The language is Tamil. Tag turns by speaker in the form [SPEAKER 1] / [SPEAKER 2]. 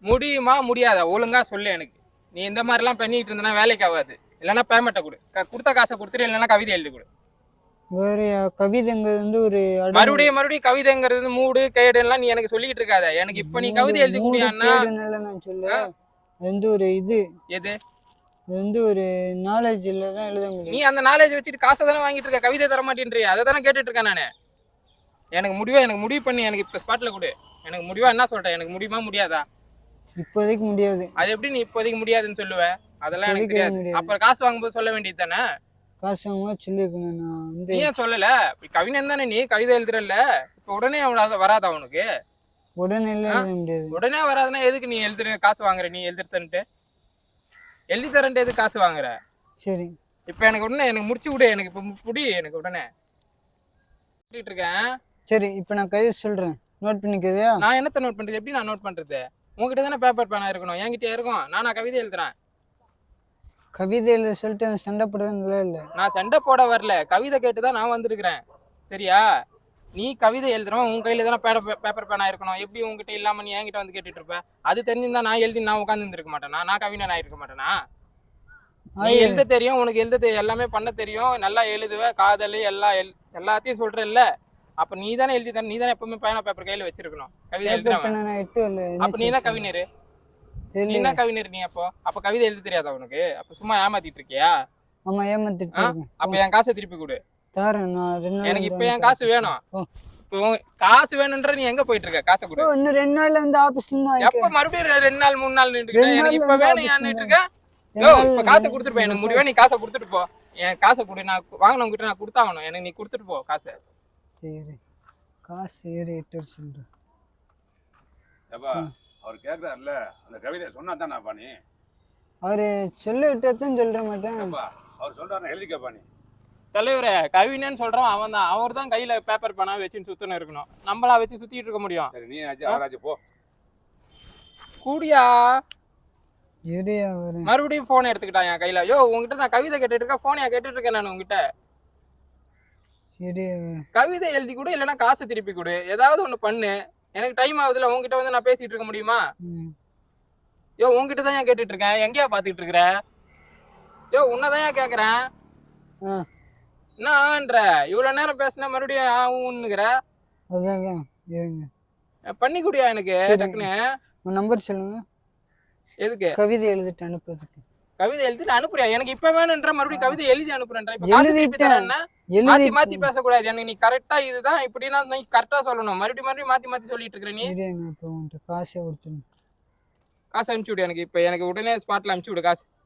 [SPEAKER 1] முடியுமா முடியாதா ஒழுங்கா சொல்லு எனக்கு. நீ இந்த மாதிரிலாம் பண்ணிட்டு இருந்தனா வேலைக்கு ஆகாது. இல்லைன்னா பேமெண்ட்டை கொடு. கொடுத்த காசை கொடுத்துட்டு இல்லைன்னா கவிதை எழுதி கொடு.
[SPEAKER 2] வேற கவிதைங்கிறது வந்து ஒரு
[SPEAKER 1] மறுபடியும் கவிதைங்கிறது மூடு கேடு எல்லாம் நீ எனக்கு சொல்லிட்டு இருக்காத. எனக்கு இப்ப நீ கவிதை எழுதி கூடியான்னா
[SPEAKER 2] நான் சொல்ல அது வந்து ஒரு இது
[SPEAKER 1] எது
[SPEAKER 2] அது வந்து ஒரு நாலேஜ்ல தான் எழுத முடியும்.
[SPEAKER 1] நீ அந்த நாலேஜ் வச்சுட்டு காசை தானே வாங்கிட்டு இருக்க, கவிதை தர மாட்டேன்றியா? அதை தானே கேட்டுட்டு இருக்கேன் நானு. எனக்கு முடிவு பண்ணி எனக்கு இப்ப ஸ்பாட்ல கொடு. எனக்கு முடிவா என்ன சொல்றேன், எனக்கு முடியுமா முடியாதா?
[SPEAKER 2] இப்போதைக்கு முடியாது.
[SPEAKER 1] அது எப்படி நீ இப்போதைக்கு முடியாதுன்னு சொல்லுவ? அதெல்லாம் எனக்கு தெரியாது. அப்புறம் காசு வாங்கும்போது சொல்ல வேண்டியது தானே.
[SPEAKER 2] காசு வாங்கும்போது சொல்லிருக்கணும். நான் வந்து
[SPEAKER 1] நீ ஏன் சொல்லல? கவிஞன் தானே நீ, கவிதை எழுதுறல்ல. இப்ப உடனே வராதா உனக்கு?
[SPEAKER 2] உடனே எழுத முடியாது.
[SPEAKER 1] உடனே வராதுன்னா எதுக்கு நீ எழுதுற காசு வாங்குற? நீ எழுதுறன்ட்டு எழுதி தரன்ட்டு எதுக்கு காசு வாங்குற?
[SPEAKER 2] சரி
[SPEAKER 1] இப்ப எனக்கு உடனே எனக்கு முடிச்சு விடு. எனக்கு இப்ப புடி. எனக்கு உடனே இருக்கேன்.
[SPEAKER 2] சரி இப்ப நான் கவிதை சொல்றேன், நோட் பண்ணிக்கதா?
[SPEAKER 1] நான் என்னத்த நோட் பண்றது? எப்படி நான் நோட் பண்றது? உங்ககிட்ட தானே பேப்பர் பேனா இருக்கணும், என்கிட்ட இருக்கும். நானா கவிதை எழுதுறேன்?
[SPEAKER 2] கவிதை எழுத சொல்லிட்டு சண்டை போடுறது இல்லை.
[SPEAKER 1] நான் சண்டை போட வரல, கவிதை கேட்டுதான் நான் வந்திருக்கிறேன். சரியா? நீ கவிதை எழுதுறோம், உன் கையில தானே பேப்பர் பேனா இருக்கணும். எப்படி உங்ககிட்ட இல்லாம நீ என்கிட்ட வந்து கேட்டுட்டு இருப்ப? அது தெரிஞ்சிருந்தா நான் எழுதி நான் உட்காந்து இருந்திருக்க மாட்டேனா? நான் கவிஞன் ஆயிருக்க மாட்டேனா? நீ எழுத தெரியும், உனக்கு எழுத எல்லாமே பண்ண தெரியும், நல்லா எழுதுவ, காதல் எல்லாத்தையும் சொல்றல்ல. அப்ப நீ தானே எழுதி தானே, நீ தானே எப்பவுமே பேனா பேப்பர் கையில வச்சிருக்கணும். கவிதை எழுதுறவன் அப்ப நீ என்ன கவிஞர்? நீ என்ன கவிஞர் நீ? அப்ப கவிதை எழுத தெரியாதா உனக்கு? அப்ப சும்மா ஏமாத்திட்டு இருக்கியா?
[SPEAKER 2] ஆமா ஏமாத்திட்டு இருக்கேன்.
[SPEAKER 1] அப்ப என் காசை திருப்பி கொடு. எனக்கு இப்ப என் காசு வேணும். இப்போ காசு வேணும்ன்ற நீ எங்க போயிட்டு இருக்க? காசை கொடு.
[SPEAKER 2] இன்னும் 2 நாள்ல வந்து ஆபீஸ்ல
[SPEAKER 1] எப்ப மறுபடியும் 2 நாள் 3 நாள் நின்னுட்டு இருக்க? எனக்கு இப்ப வேணும் ஏன்னுட்டு இருக்க? இப்ப காசை கொடுத்துட்டு போ. எனக்கு முடிவே நீ காசை கொடுத்துட்டு போ. என் காசை கொடு. நான் வாங்கினவங்க கிட்ட நான் கொடுத்தாகணும். எனக்கு நீ கொடுத்துட்டு போ காசை.
[SPEAKER 2] சரி காசு ஏறிட்டு சொல்றேன்.
[SPEAKER 3] அவர் கேட்கறாருல, அந்த கவிதை சொன்னா தானே பாணி?
[SPEAKER 2] அவரு சொல்லிவிட்டதான் சொல்ற மாட்டேன்.
[SPEAKER 3] அவர் சொல்றாரு எழுதிக்கப்பா நீ.
[SPEAKER 1] தலைவரே, கவிஞன்னு சொல்றோம் அவன் தான். அவர் தான் கையில பேப்பர் பேனா வச்சுன்னு சுத்தணும் இருக்கணும். நம்மளா வச்சு சுத்திட்டு இருக்க முடியும்?
[SPEAKER 3] சரி நீ ஆச்சு அவராச்சு போ.
[SPEAKER 1] கூடியா
[SPEAKER 2] எதையா
[SPEAKER 1] மறுபடியும் போன் எடுத்துக்கிட்டான் என் கையில. யோ உங்ககிட்ட நான் கவிதை கேட்டுட்டு இருக்கேன், போனையா கேட்டுட்டு இருக்கேன் நான் உங்ககிட்ட. கவிதை எழுதி கொடு, இல்லைன்னா காசை திருப்பி கொடு. ஏதாவது ஒண்ணு பண்ணு. எனக்கு டைம் ஆகுதுல, உங்ககிட்ட வந்து நான் பேசிட்டு இருக்க முடியுமா? யோ உங்ககிட்ட தான் ஏன் கேட்டுட்டு இருக்கேன், எங்கேயா பாத்துக்கிட்டு இருக்கிற? யோ உன்னதான் ஏன் கேக்குறேன். என்னன்ற இவ்வளவு நேரம் பேசினா மறுபடியும் ஆகுங்கிற? பண்ணி குடியா எனக்கு டக்குன்னு.
[SPEAKER 2] நம்பர் சொல்லுங்க.
[SPEAKER 1] எதுக்கு?
[SPEAKER 2] கவிதை எழுதிட்டு அனுப்புறதுக்கு.
[SPEAKER 1] கவிதை எழுதிட்டு அனுப்புறியா? எனக்கு இப்ப வேணும்ன்ற மறுபடியும் கவிதை எழுதி அனுப்புறேன். மாத்தி மாத்தி பேசக்கூடாது. எனக்கு நீ கரெக்டா இதுதான் இப்படின்னா நீ கரெக்டா சொல்லணும். மறுபடியும் மாத்தி மாத்தி சொல்லிட்டு இருக்க நீ.
[SPEAKER 2] காசை
[SPEAKER 1] அனுப்பிச்சு விடு எனக்கு. இப்ப எனக்கு உடனே ஸ்பாட்ல அனுப்பிச்சு விடு காசு.